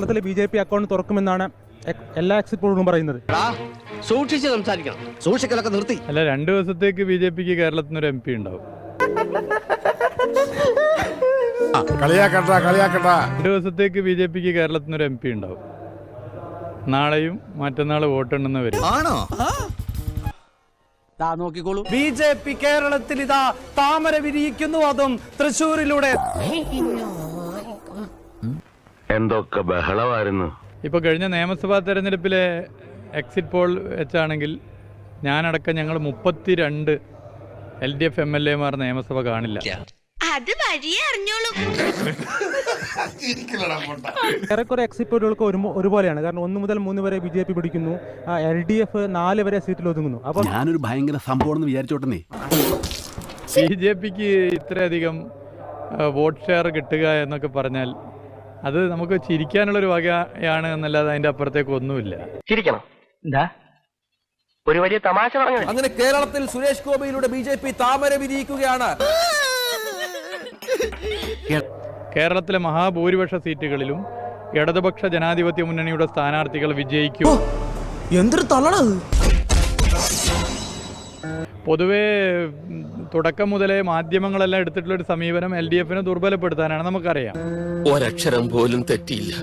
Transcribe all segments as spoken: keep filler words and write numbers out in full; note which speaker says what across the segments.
Speaker 1: കേരളത്തിൽ B J P account തുറക്കുമെന്നാണ് എല്ലാ എക്സിറ്റ് പോളുകളും പറയുന്നത്.
Speaker 2: സൂക്ഷിച്ച് സംസാരിക്കണം, സൂക്ഷിക്കലൊക്കെ നിർത്തി.
Speaker 3: അല്ല, രണ്ടു ദിവസത്തേക്ക് ബി ജെ പിക്ക് കേരളത്തിൽ നിന്ന് ഒരു എം പി ഉണ്ടാവും. രണ്ടു ദിവസത്തേക്ക് ബി ജെ പിക്ക് കേരളത്തിൽ നിന്ന് ഒരു എം പി ഉണ്ടാവും. നാളെയും മറ്റന്നാൾ വോട്ടെണ്ണുന്ന വരും.
Speaker 2: ആണോ?
Speaker 4: നോക്കിക്കോളൂ, ബി ജെ പി കേരളത്തിൽ ഇതാ താമര വിരിയിക്കുന്നു, അതും തൃശ്ശൂരിലൂടെ.
Speaker 5: എന്തൊക്കെ ബഹളമായിരുന്നു.
Speaker 3: ഇപ്പൊ കഴിഞ്ഞ നിയമസഭാ തെരഞ്ഞെടുപ്പിലെ എക്സിറ്റ് പോൾ വെച്ചാണെങ്കിൽ ഞാനടക്കം ഞങ്ങൾ മുപ്പത്തിരണ്ട് L D F M L എമാർ നിയമസഭ കാണില്ല.
Speaker 6: അത് വഴിയേ അറിഞ്ഞോളൂ.
Speaker 1: ഏറെക്കുറെ എക്സിറ്റ് പോളുകൾക്ക് ഒരു ഒരുപോലെയാണ്. കാരണം ഒന്ന് മുതൽ മൂന്ന് വരെ ബി ജെ പി പിടിക്കുന്നു, എൽ ഡി എഫ് നാല് വരെ സീറ്റിൽ ഒതുങ്ങുന്നു. അപ്പൊ
Speaker 7: ഞാനൊരു ഭയങ്കര സംഭവം വിചാരിച്ചോട്ടെ.
Speaker 3: ബി ജെ പിക്ക് ഇത്രയധികം വോട്ട് ഷെയർ കിട്ടുക എന്നൊക്കെ പറഞ്ഞാൽ അത് നമുക്ക് ചിരിക്കാനുള്ളൊരു വകയാണ് എന്നല്ലാതെ അതിന്റെ അപ്പുറത്തേക്ക് ഒന്നുമില്ല.
Speaker 2: ചിരിക്കണം. എന്താ ഒരു വലിയ തമാശ പറഞ്ഞു.
Speaker 4: അങ്ങനെ കേരളത്തിൽ സുരേഷ് ഗോപിയിലൂടെ ബി ജെ പി താമര വിരിയിക്കുകയാണ്.
Speaker 3: കേരളത്തിലെ മഹാഭൂരിപക്ഷ സീറ്റുകളിലും ഇടതുപക്ഷ ജനാധിപത്യ മുന്നണിയുടെ സ്ഥാനാർത്ഥികൾ വിജയിക്കും.
Speaker 4: എന്തൊരു തള്ളണത്!
Speaker 3: പൊതുവേ തുടക്കം മുതലേ മാധ്യമങ്ങളെല്ലാം എടുത്തിട്ടുള്ള ഒരു സമീപനം എൽ ഡി എഫിനെ ദുർബലപ്പെടുത്താനാണ്, നമുക്കറിയാം.
Speaker 2: ഒരക്ഷരം പോലും തെറ്റിയില്ല.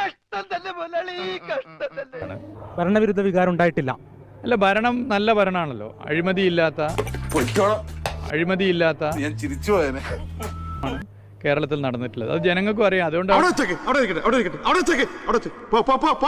Speaker 1: ഭരണവിരുദ്ധ വികാരം ഉണ്ടായിട്ടില്ല.
Speaker 3: അല്ല, ഭരണം നല്ല ഭരണമാണല്ലോ. അഴിമതിയില്ലാത്ത അഴിമതിയില്ലാത്ത കേരളത്തിൽ നടന്നിട്ടുള്ളത്. അത് ജനങ്ങൾക്കും അറിയാം. അതുകൊണ്ടാണ്